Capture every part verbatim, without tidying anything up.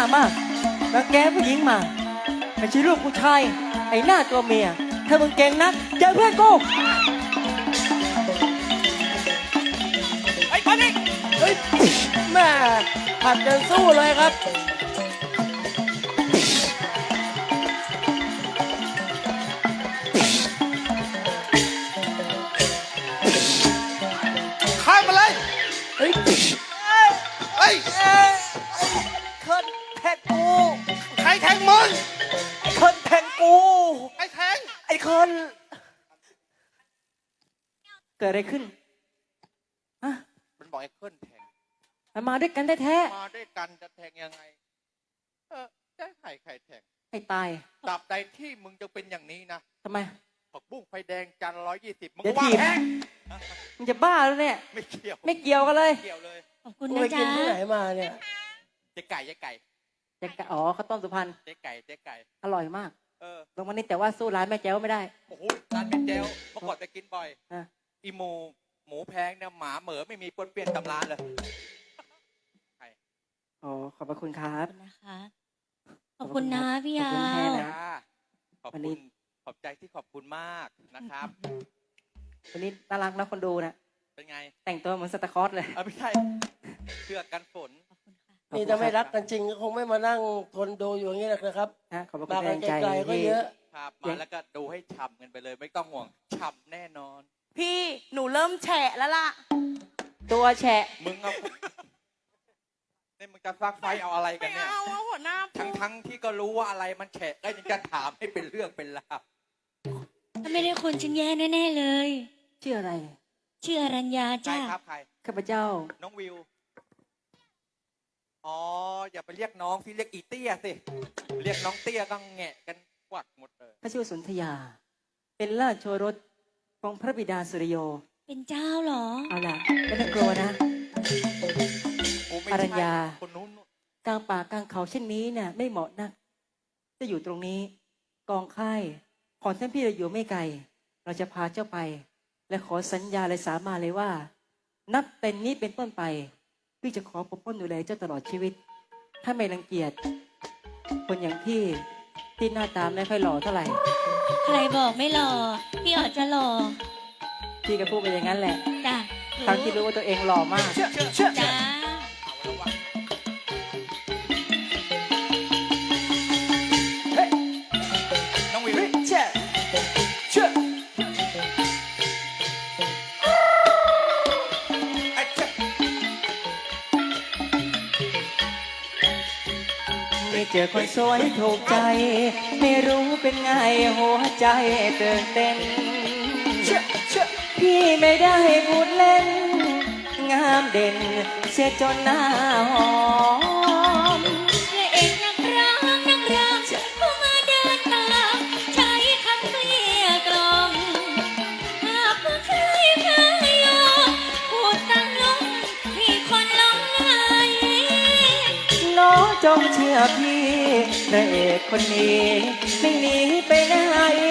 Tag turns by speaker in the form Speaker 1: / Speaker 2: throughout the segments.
Speaker 1: ามากแล้วแกผู้หญิงมาไม่ใช่ลูกผู้ชายไอ้หน้าตัวเมียถ้ามึงเก่งนักเจอเพื่อนกู
Speaker 2: ไอ้คนนี้
Speaker 3: เฮ้ยแม่ผัดกันสู้เลยครับ
Speaker 2: ข้ามมาเลย
Speaker 3: เฮ้ย
Speaker 2: เฮ้ย
Speaker 1: คนแทงกู
Speaker 2: ใครแทงมึง
Speaker 1: คนแทงกู
Speaker 2: ไอ้แทง
Speaker 1: ไอ้คนเกิดอะไรขึ้นฮะ
Speaker 2: มันบอกไอ้เคิลแทง
Speaker 1: มันมาด้วยกันได้แท้
Speaker 2: มาด้วยกันจะแทงยังไงเออจะใครใครแทง
Speaker 1: ให้ตาย
Speaker 2: ตราบใดที่มึงจะเป็นอย่างนี้นะ
Speaker 1: ทำไม
Speaker 2: ผักบุ้งไฟแดงจานร้อยยี่สิบมึง
Speaker 1: ว่าแทงมึงจะบ้าแล้วเนี่ย
Speaker 2: ไม่เกี่ยว
Speaker 1: ไม่เกี่ยวกันเลย
Speaker 2: เกี่ยวเลย
Speaker 4: ขอบคุณนะจ๊ะ
Speaker 3: ไปกินที่ไหนมาเนี่ย
Speaker 2: เจ๊ไก่เจ๊ไก่
Speaker 1: เจ๊ไก่อ๋อข้าวต้มสุพรรณ
Speaker 2: เจ๊ไก่เจ๊ไก่
Speaker 1: อร่อยมาก
Speaker 2: เออ
Speaker 1: ลงมานี่แต่ว่าสู้ร้านแม่แจ้วไม่ได้
Speaker 2: โอ้โหร้านแม่แจ้วเมื่อก่อนไปกินบ่อย
Speaker 1: อ่ะ
Speaker 2: อีหมูหมูแพงเนี่ยหมาเหมือไม่มีปนเปลี่ยนตำร้านเลยใคร
Speaker 1: อ๋อขอบพระคุณครับ
Speaker 4: นะคะขอบคุณนะพี่ยา
Speaker 2: ขอบคุณขอบใจที่ขอบคุณมากนะครับ
Speaker 1: วันนี้น่ารักนะคนดูนะ
Speaker 2: เป็นไง
Speaker 1: แต่งตัวเหมือนซานตาคลอสเลย
Speaker 2: เออไม่ใช่เสื้อกันฝน
Speaker 3: นี่ถ้าไม่รักกันจริงก็คงไม่มานั่งทนดูอยู่อย่างนี้หรอกนะครับ
Speaker 1: ฮะขอบคุณแรงใจ
Speaker 3: ก็เยอะ
Speaker 2: ครับมาแล้วก็ดูให้ฉ่ำกันไปเลยไม่ต้องห่วงฉ่ำแน่นอน
Speaker 5: พี่หนูเริ่มแฉะแล้วล่ะ
Speaker 1: ตัวแฉะ
Speaker 2: มึงเอาเนี่ยมึงจะฟักไฟเอาอะไรกันเนี่ย
Speaker 5: ไม่เอาเอาหัวหน้า
Speaker 2: ทั้งทั้งที่ก็รู้ว่าอะไรมันแฉะก็ยังจะถามให้เป็นเรื่องเป็นราว
Speaker 4: ถ้าไม่ได้คนฉันแย่แน่ๆเลย
Speaker 1: ชื่ออะไร
Speaker 4: ชื่ออรัญญาจ้า
Speaker 2: ใช่ครับใคร
Speaker 1: ข้าพเจ้า
Speaker 2: น้องวิวอ๋ออย่าไปเรียกน้องที่เรียกอีเตี้ยสิเรียกน้องเตี้ยก็แงะกันกวักหมดเลย
Speaker 1: ข้าชื่อสุนทยาเป็นราชโอรสของพระบิดาสุริโย
Speaker 4: เป็นเจ้าเหรอ
Speaker 1: เอาล่ะไม่ต้องกลัวนะอรัญญา
Speaker 2: คนนู้น
Speaker 1: กลางป่ากลางเขาเช่นนี้เนี่ยไม่เหมาะนักจะอยู่ตรงนี้กองค่ายของท่านพี่เราอยู่ไม่ไกลเราจะพาเจ้าไปและขอสัญญาเลยสามาเลยว่านับแต่นี้เป็นต้นไปพี่จะขอปกป้องดูแลเจ้าตลอดชีวิตถ้าไม่รังเกียจคนอย่างพี่ที่หน้าตาไม่ค่อยหล่อเท่าไหร่
Speaker 4: ใครบอกไม่หล่อพี่อาจจะหล่อ
Speaker 1: พี่ก็พูดไปอย่างนั้นแหละ
Speaker 4: จ้ะ
Speaker 1: ทั้งที่รู้ว่าตัวเองหล่อมาก
Speaker 4: จ้า
Speaker 2: น้องวิว
Speaker 1: เชื่อเชื่อไม่เจอคนสวยถูกใจไม่รู้เป็นไงหัวใจตื่นเต้นพี่ไม่ได้พูดเล่นงามเด่นเสียจนหน้าหอม
Speaker 4: พระเอกนักร้องนักร้องผู้มาเดินตามใช้คำเกลี้ยกล่อมหากว่าใครพายอมพูดตั้งลงพี่คนหลงไหล
Speaker 1: น้องจงเชื่อพี่พระเอกคนนี้ไม่หนีไปไหน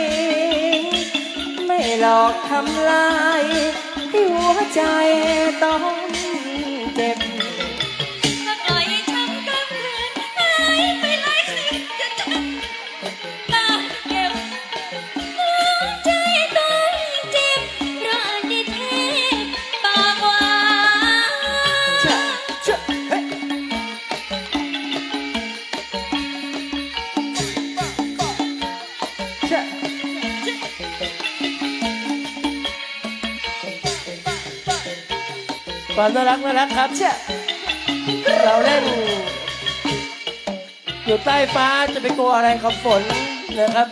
Speaker 1: ไม่หลอกทำลายที่หัวใจต้องเจ็บ
Speaker 4: ถ้าปล่อยให้ช้ำกับเพื่อนหายไปหลายคืนจะจำตาเก็บหัวใจต้องเจ็บเพราะอดีตเทพปากหวาน
Speaker 3: ความน่ารักน่ารักครับเราเล่นอยู่ใต้ฟ้าจะไปกลัวอะไรกับฝนนะครับ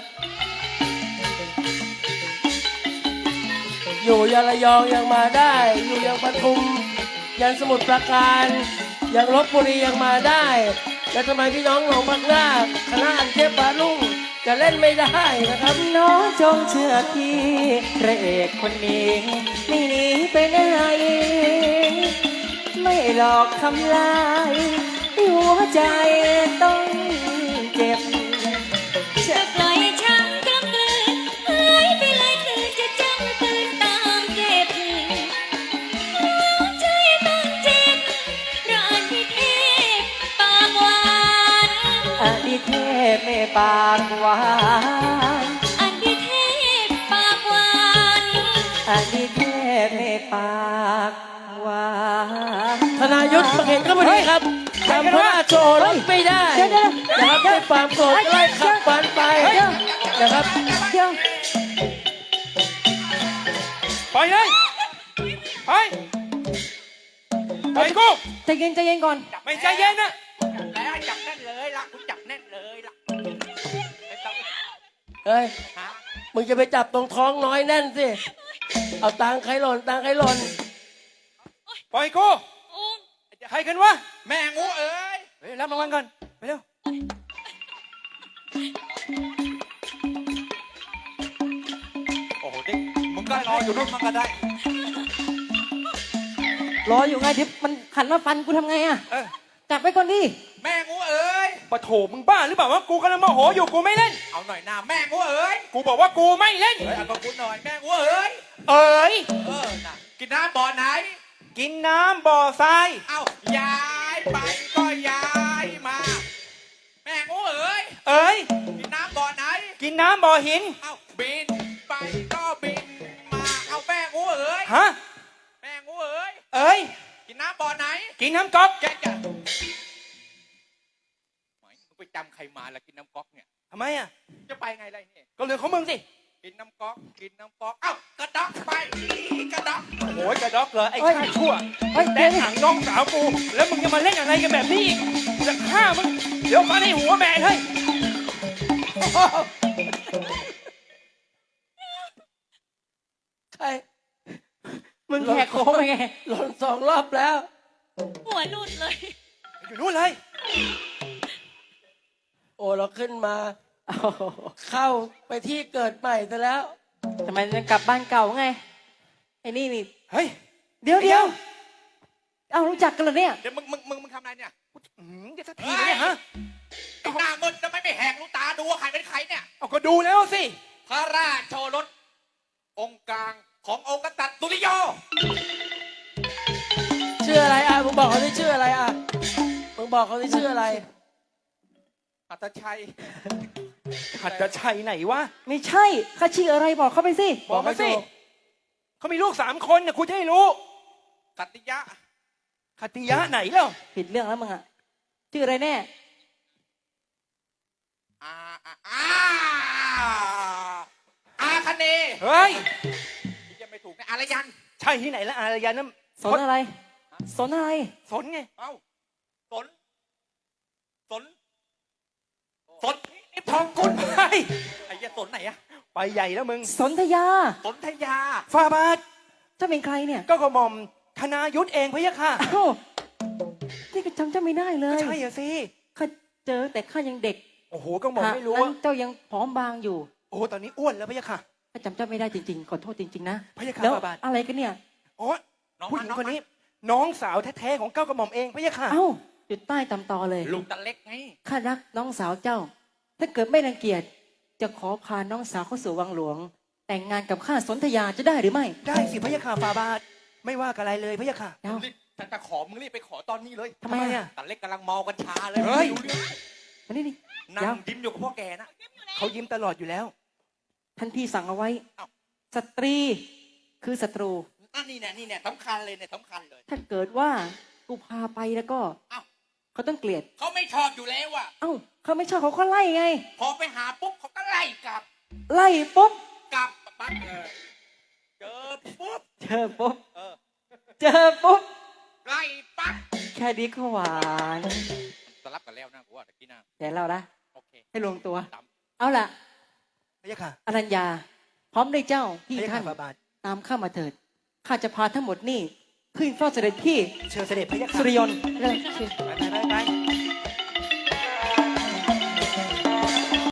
Speaker 3: อยู่ยังระยองยังมาได้อยู่ยังปทุมยังสมุทรปราการยังลบบุรียังมาได้แล้วทำไมพี่น้องหนองบักนาคณะอันเทพบาลุ่งจะเล่นไม่ได้นะครับ
Speaker 1: น้องจงเชื่อพี่พระเอกคนนี้ไม่หนีไปไหนไม่หลอกทำลายหัวใจต้องเจ็บ
Speaker 4: จะปล่อยช้ำกลางคืนหายไปหลายคืนจะจำคืนตามเจ็บหัวใจต้องเจ็บเพราะอดีตเทพปากหวาน
Speaker 1: ปากหวาน
Speaker 4: อันที่เทพปากหวาน
Speaker 1: อดีเทพในปากหวาน
Speaker 3: ธนายุทธมาเห็นก็พอดีครับจำพระราชโอรสไม่ได้
Speaker 1: เดี๋ยวเดี๋ยว
Speaker 3: นะครับด้วยความโกรธไล่ขับฟันไปนะครับ
Speaker 1: เดี๋ยว
Speaker 2: ปล่อยเลยไปไปกู
Speaker 1: ใจเย็นใจเย็นก่อน
Speaker 2: ไม่ใจเย็นนะแล้วจับแน่นเลยล่ะคุณจับแน่นเลยล่ะไม่ต้อง
Speaker 3: เฮ้ย
Speaker 2: หา
Speaker 3: มึงจะไปจับตรงท้องน้อยแน่นสิ เอาตังค์ใครหล่นตังค์ใครหล่น
Speaker 2: ปล่อยกู
Speaker 4: อุ้ม
Speaker 2: ใครกันวะแม่งูเอ้ยเฮ้ยรับรางวัลก่อนไปเร็วโอ้โหนี่มึงก็รออยู่นู่นมันก็ได้
Speaker 1: รออยู่ไงเดี๋ยวมันขันมาฟันกูทำไงอะ
Speaker 2: เออ
Speaker 1: จับไว้ก่อนดิ
Speaker 2: แม่งูเอ้ยปะโถมึงบ้าหรือเปล่าวะกูกำลังโมโหอยู่กูไม่เล่นเอาหน่อยนะแม่งูเอ้ยกูบอกว่ากูไม่เล่นเฮ้ยเอากับกูหน่อยแม่งูเอ้ย
Speaker 6: เอ๋ย
Speaker 2: เออน่ะกินน้ำบ่อไหน
Speaker 6: กินน้ำบ่อทราย
Speaker 2: เอ้าย้ายไปก็ย้ายมา แม่งูเอ้ย
Speaker 6: เอ๋ย
Speaker 2: กินน้ำบ่อไหน
Speaker 6: กินน้ำบ่อหิน
Speaker 2: เอ้าบินไปก็บินมาเอาแม่งูเอ้ย
Speaker 6: ฮะ
Speaker 2: แม่งูเอ้ย
Speaker 6: เอ๋ย
Speaker 2: กินน้ำบ่อไหน
Speaker 6: กินน้ำก๊อก
Speaker 2: แกจะไหมมึงไปจำใครมาแล้วกินน้ำก๊อกเนี่ย
Speaker 6: ทำไมอ่ะ
Speaker 2: จะไปไงไรเนี่ย
Speaker 6: ก็เรื่องของมึงสิ
Speaker 2: กินน้ำก๊อกกินน้ำก๊อกเอ้ากระดอกไปกระดอก
Speaker 6: โอ้ยกระดอกเหรอไอ้
Speaker 1: เฮ้ย
Speaker 6: ข้าชั่ว
Speaker 1: เฮ้ย
Speaker 6: แต่
Speaker 1: เดี๋ยวดิ
Speaker 6: ถังน้องสาวกู แล้วมึงจะมาเล่นอะไรกันแบบนี้อีกจะฆ่ามึง เดี๋ยวฟันให้หัวแม่เลย
Speaker 3: ใคร
Speaker 1: มึงแหกโค้งไปไง
Speaker 3: หล่นสองรอบแล้ว
Speaker 4: หัวหลุดเลย
Speaker 6: อยู่นู่นเลย
Speaker 3: โอ้เราขึ้นมา
Speaker 1: โอ้โห
Speaker 3: เข้าไปที่เกิดใหม่ซะแล้ว
Speaker 1: ทำไมมันกลับบ้านเก่าไงไอ้นี่นี่
Speaker 6: เฮ้ย
Speaker 1: เดี๋ยวเดี๋ยวเอารู้จักกันเหรอเนี่ย
Speaker 2: เดี๋ยวมึงมึงมึงมึงทำอะไรเนี่ย
Speaker 6: อื้อหือจะสักทีไหมเนี่ยฮะ
Speaker 2: ไอ้หน้ามึนทำไมไม่แหกลูกตาดูว่าใครเป็นใครเนี่ย
Speaker 6: เอาก็ดูแล้วสิ
Speaker 2: พระราชโอรสองค์กลางขององค์กษัตริย์สุริโย
Speaker 3: ชื่ออะไรอ่ะมึงบอกเขาที่ชื่ออะไรอ่ะมึงบอกเขาที่ชื่ออะไร
Speaker 2: อัตชัย
Speaker 6: หัดจะชัยไหนวะ
Speaker 1: ไม่ใช่ข้าชื่ออะไรบอกเขาไปสิ
Speaker 6: บอกมาสิเขามีลูกสามคนเนี่ยคุณจะให้รู้
Speaker 2: กัตติยะ
Speaker 6: คติยะไหนแล้ว
Speaker 1: ผิดเรื่องแล้วมึงอะชื่ออะไรแน่
Speaker 2: อาอาอาอาคเนย์
Speaker 6: เฮ้ย
Speaker 2: ยังไม่ถูกนะอารยัน
Speaker 6: ใช่ที่ไหนละอารยันนั่น
Speaker 1: สนอะไร สนอะไร
Speaker 6: สนไง
Speaker 2: เอ้าสนสนสน
Speaker 6: นี่ทองกุลไป
Speaker 2: ไอ้เหี้ยสนไหนอะ
Speaker 6: ไปใหญ่แล้วมึง
Speaker 1: สนธยา
Speaker 2: สนธยา
Speaker 6: ฟาบาท
Speaker 1: เจ้าเป็นใครเนี่ย
Speaker 6: ก็กระหม่อมธนายุทธเองพะยะค่ะ
Speaker 1: อ้าวนี่ก็จำเจ้าไม่ได้เล
Speaker 6: ก็
Speaker 1: ย
Speaker 6: ใช่อะสิ
Speaker 1: ข้าเจอแต่ข้ายังเด็ก
Speaker 6: โอ้โหก็หม่อมไม่รู้
Speaker 1: นั้น
Speaker 6: ว่า
Speaker 1: เจ้ายังผอมบางอยู่
Speaker 6: โอ้โหตอนนี้อ้วนแล้วพะยะค่ะ
Speaker 1: ข้าจำเจ้าไม่ได้จริงๆ ขอโทษจริงๆนะ
Speaker 6: พะยะค่ะ
Speaker 1: แล้ว
Speaker 6: ฟาบาท
Speaker 1: อะไรกันเนี่ย
Speaker 6: อ๋อ
Speaker 2: น้อง
Speaker 6: ผู้หญิงคนนี้ น้องสาวแท้ๆของเก้ากระหม่อมเองพะยะค่ะ
Speaker 1: เอ้าจุดใต้ตำตอเลย
Speaker 2: ลูกตะเล็กไง
Speaker 1: ข้ารักน้องสาวเจ้า ถ้าเกิดไม่รังเกียจจะขอพาน้องสาวเข้าสู่วังหลวง แต่งงานกับข้าสนธยาจะได้หรือไม่
Speaker 6: ได้สิพะยะค่ะฟาบาทไม่ว่ากันอะไรเลยพะยะค่ะ
Speaker 1: เอ้า
Speaker 2: รีบถ้าจะขอมึงรีบไปขอตอนนี้เลย
Speaker 1: ทำไมอะ
Speaker 2: ตะเล็กกำลังเมากัญชาเลย
Speaker 6: เฮ้ย
Speaker 2: ไม่รู้เรื่อง
Speaker 1: มานี่นี่
Speaker 2: นั่
Speaker 1: เดี๋ยว
Speaker 2: งดิ้มอยู่กับพ่อแกนะ
Speaker 6: เขายิ้มตลอดอยู่แล้ว
Speaker 1: ท่านพี่สั่งเอาไว้
Speaker 2: เอ้า
Speaker 1: สตรีคือศัตรู
Speaker 2: อันนี้เนี่ยนี่เนี่ยสำคัญเลยเนี่ยสำคัญเลย
Speaker 1: ถ้าเกิดว่ากูพาไปแล้วก็
Speaker 2: เอ้า
Speaker 1: เขาต้องเกลียด
Speaker 2: เขาไม่ชอบอยู่แล้วอะ
Speaker 1: เอ้าเขาไม่ชอบเขาก็ไล่ไง
Speaker 2: พอไปหาปุ๊บเขาก็ไล่กลับ
Speaker 1: ไล่ปุ๊บ
Speaker 2: กลับปั๊บเออเจอปุ๊บ
Speaker 1: เจอปุ๊บ
Speaker 2: เออ
Speaker 1: เจอปุ๊บ
Speaker 2: ไล่ปั๊บ
Speaker 1: แค่นี้ก็หวาน
Speaker 2: สลับกันแล้วนะกูว่าตะกี้นะ
Speaker 1: แต่เราละ
Speaker 2: โอเค
Speaker 1: ให้ลงตัว
Speaker 2: ตาม
Speaker 1: เอาล่ะ
Speaker 6: พะยะค่ะ
Speaker 1: อรัญญา พร้อมด้วยเจ้าพี่
Speaker 6: พะยะ
Speaker 1: ท่า
Speaker 6: ค่ะ
Speaker 1: น
Speaker 6: ฟาบาท
Speaker 1: ตามข้ามาเถิดข้าจะพาทั้งหมดนี่ขึ้นเฝ้าเสด็จพี่
Speaker 6: เชิญเสด็จพะยะค่ะ
Speaker 1: สุริยนต์เริ่มชื่อ
Speaker 6: ไปไปไปไป